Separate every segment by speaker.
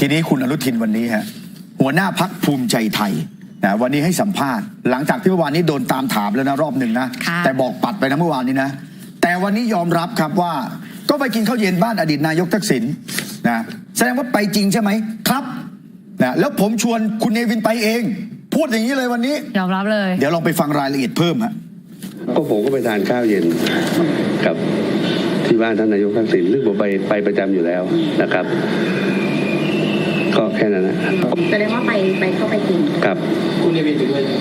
Speaker 1: ทีนี้คุณอนุทินวันนี้ฮะหัวหน้าพรรคภูมิใจไทยนะวันนี้ให้สัมภาษณ์หลังจากที่เมื่อวานนี้โดนตามถามแล้วนะรอบหนึ่งนะแต่บอกปัดไปนะเมื่อวานนี้นะแต่วันนี้ยอมรับครับว่าก็ไปกินข้าวเย็นบ้านอดีตนายกทักษิณนะแสดงว่าไปจริงใช่ไหมครับนะแล้วผมชวนคุณเนวินไปเองพูดอย่างนี้เลยวันนี้
Speaker 2: ยอมรับเลย
Speaker 1: เดี๋ยวลองไปฟังรายละเอียดเพิ่มฮะ
Speaker 3: ก็ผมก็ไปทานข้าวเย็นกับที่บ้านท่านนายกทักษิณซึ่งผมไปประจำอยู่แล้วนะครับก็แค่นั้นนะ
Speaker 4: แสดงว่าไปเข้าไปกิน
Speaker 3: ครับ
Speaker 5: คุณเนวินไปด้วย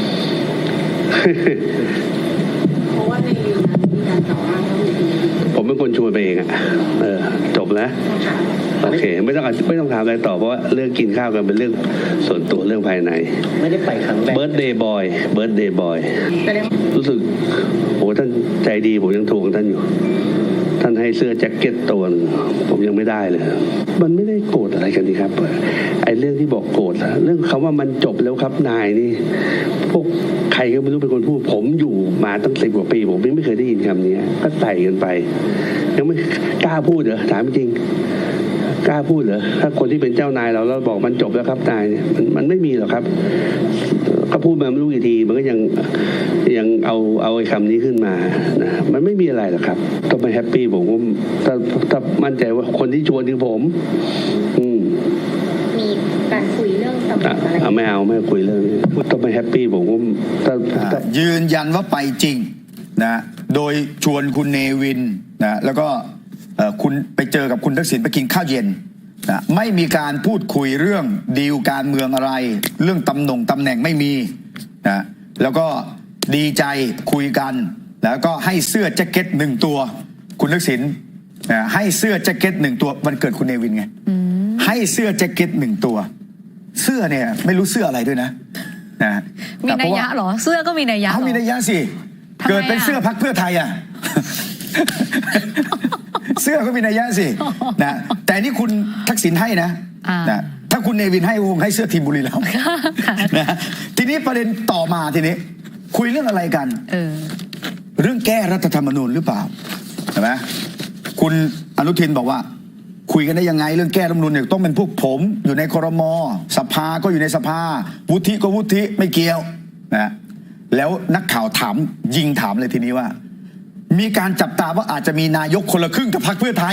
Speaker 4: เพราะว่าในวินนั้นมีการต่ออ้างว่า
Speaker 3: ผมเป็นคนชวนไปเองจบแล้วโอเคไม่ต้องถามอะไรต่อเพราะว่าเรื่องกินข้าวกันเป็นเรื่องส่วนตัวเรื่องภายใน
Speaker 5: ไม่ได้ไปครั้งแรก
Speaker 3: เบิร์ธเดย์บอยรู้สึกโอ้ท่านใจดีผมยังทวงท่านอยู่ท่านให้เสื้อแจ็คเก็ตตัวนึงผมยังไม่ได้เลยมันไม่ได้โกรธอะไรกันนี่ครับไอ้เรื่องที่บอกโกรธเรื่องคำว่ามันจบแล้วครับนายนี่พวกใครก็ไม่รู้เป็นคนพูดผมอยู่มาตั้ง10 กว่าปีผมไม่เคยได้ยินคำนี้ก็ใส่กันไปยังไม่กล้าพูดเหรอถามจริงกล้าพูดเหรอถ้าคนที่เป็นเจ้านายเราบอกมันจบแล้วครับนายเนี่ยมันไม่มีหรอกครับก็พูดมาไม่รู้กี่ทีมันก็ยังเอาไอ้คำนี้ขึ้นมานะมันไม่มีอะไรหรอกครับต้องไปแฮปปี้ผมถ้ามั่นใจว่าคนที่ชวนคือผม
Speaker 4: มีการคุยเรื่องตำแหน่งอะไร
Speaker 3: ไม่คุยเรื่องนี้ต้องไปแฮปปี้ผม
Speaker 1: ยืนยันว่าไปจริงนะโดยชวนคุณเนวินนะแล้วก็คุณไปเจอกับคุณทักษิณไปกินข้าวเย็นนะไม่มีการพูดคุยเรื่องดีลการเมืองอะไรเรื่องตำแหน่งไม่มีนะแล้วก็ดีใจคุยกันแล้วก็ให้เสื้อแจ็คเก็ต1 ตัวคุณทักษิณให้เสื้อแจ็คเก็ต1 ตัววันเกิดคุณเนวินไงให้เสื้อแจ็คเก็ต1 ตัวเสื้อเนี่ยไม่รู้เสื้ออะไรด้วยนะ
Speaker 2: มีนัยยะเหรอเสื้อก็มีนัยยะ
Speaker 1: มีนัยยะสิเกิดเป็นเสื้อพรรคเพื่อไทยอ่ะ เสื้อก็มีนัยยะสินะแต่นี่คุณทักษิณให้นะถ้าคุณเนวินให้คงให้เสื้อทีมบุรีรัมย์นะทีนี้ประเด็นต่อมาทีนี้คุยเรื่องอะไรกันเรื่องแก้รัฐธรรมนูญหรือเปล่าใช่ไหมคุณอนุทินบอกว่าคุยกันได้ยังไงเรื่องแก้รัฐธรรมนูญเนี่ยต้องเป็นพวกผมอยู่ในครม.สภาก็อยู่ในสภาวุฒิก็วุฒิไม่เกี่ยวนะแล้วนักข่าวยิงถามเลยทีนี้ว่ามีการจับตาว่าอาจจะมีนายกคนละครึ่งกับพรรคเพื่อไทย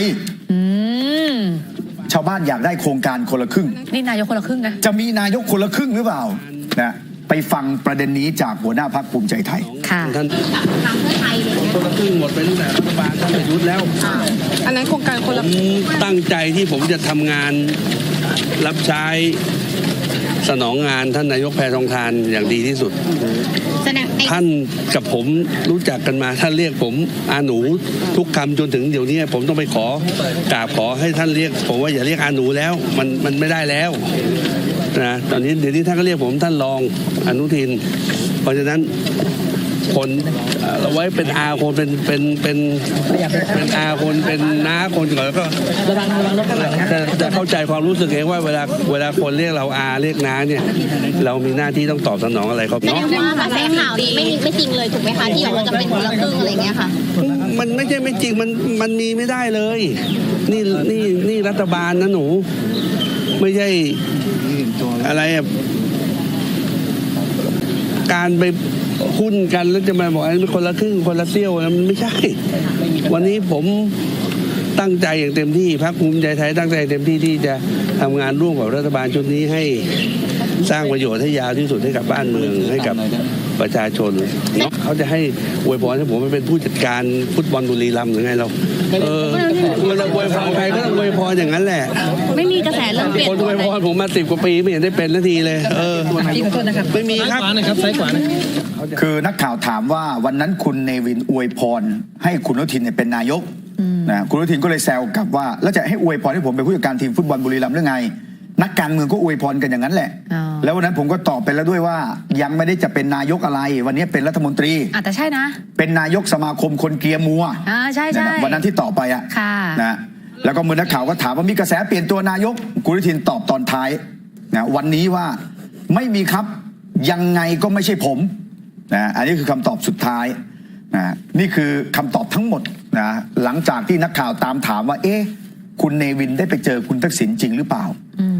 Speaker 1: ชาวบ้านอยากได้โครงการคนละครึ่ง
Speaker 2: นี่นายกคนละครึ่งนะ
Speaker 1: จะมีนายกคนละครึ่งหรือเปล่านะไปฟังประเด็นนี้จากหัวหน้าพรรคภูมิใจไทย
Speaker 2: ค่ะ
Speaker 4: ท่านพรรคเพื่อไทย
Speaker 3: คนละครึ่งหมดไปตั้งแต่รัฐบาลท่านประยุทธ์แล้ว
Speaker 4: อันนั้นโครงการคนละ
Speaker 3: ตั้งใจที่ผมจะทำงานรับใช้สนองงานท่านนายกแพทองธารอย่างดีที่สุดท่านกับผมรู้จักกันมาท่านเรียกผมอาหนูทุกคำจนถึงเดี๋ยวนี้ผมต้องไปกราบขอให้ท่านเรียกผมว่าอย่าเรียกอาหนูแล้วมันไม่ได้แล้วนะตอนนี้เดี๋ยวนี้ท่านก็เรียกผมท่านรองอนุทินเพราะฉะนั้นคนเราไว้เป็นอาคนเป็นอาคนเป็นน้าคนก่อนแล้วก็จะเข้าใจความรู้สึกเองว่าเวลาคนเรียกเราอาเรียกน้าเนี่ยเรามีหน้าที่ต้องตอบสนองอะไรครับ
Speaker 4: เนาะว่ากระแสข่าวนี้ไม่จริงเลยถูกไหมคะที่ว่าจะเป็นคนละครึ่งอะไรเงี้ยค่ะ
Speaker 3: มันไม่ใช่ไม่จริงมันมีไม่ได้เลยนี่รัฐบาลนะหนูไม่ใช่อะไรการไปหุ้นกันแล้วจะมาบอกอันนี้คนละครึ่งคนละเสี้ยวมันไม่ใช่วันนี้ผมตั้งใจอย่างเต็มที่พรรคภูมิใจไทยตั้งใจเต็มที่ที่จะทำงานร่วมกับรัฐบาลชุดนี้ให้สร้างประโยชน์ให้ยาวที่สุดให้กับบ้านเมืองให้กับประชาชนเขาจะให้อวยพรให้ผมเป็นผู้จัดการฟุตบอลบุรีรัมย์หรือไงเราเวลาอวยพรใครก็ต้องอวยพรอย่างนั้นแหละ
Speaker 2: ไม่มีกระแสเรื่องเปลี่ยน
Speaker 3: คนอวยพรผมมา10 กว่าปีไม่เห็นได้เป็นนาทีเลยไม่มีครับ
Speaker 5: ซ้ายขวา
Speaker 1: คือนักข่าวถามว่าวันนั้นคุณเนวินอวยพรให้คุณอนุทินเป็นนายกนะคุณอนุทินก็เลยแซวกลับว่าแล้วจะให้อวยพรให้ผมเป็นผู้จัดการทีมฟุตบอลบุรีรัมย์หรือไงนักการเมืองก็อวยพรกันอย่างนั้นแหละแล้ววันนั้นผมก็ตอบไปแล้วด้วยว่ายังไม่ได้จะเป็นนายกอะไรวันนี้เป็นรัฐมนตรี
Speaker 2: แต่ใช่นะ
Speaker 1: เป็นนายกสมาคมคนเกียร์มัว
Speaker 2: ใช่
Speaker 1: วันนั้นที่ตอบไปนะแล้วก็เมื่อนักข่าวก็ถามว่ามีกระแสเปลี่ยนตัวนายกคุณอนุทินตอบตอนท้ายนะวันนี้ว่าไม่มีครับยังไงก็ไม่ใช่ผมนะอันนี้คือคำตอบสุดท้ายนะนี่คือคำตอบทั้งหมดนะหลังจากที่นักข่าวตามถามว่าคุณเนวินได้ไปเจอคุณทักษิณจริงหรือเปล่า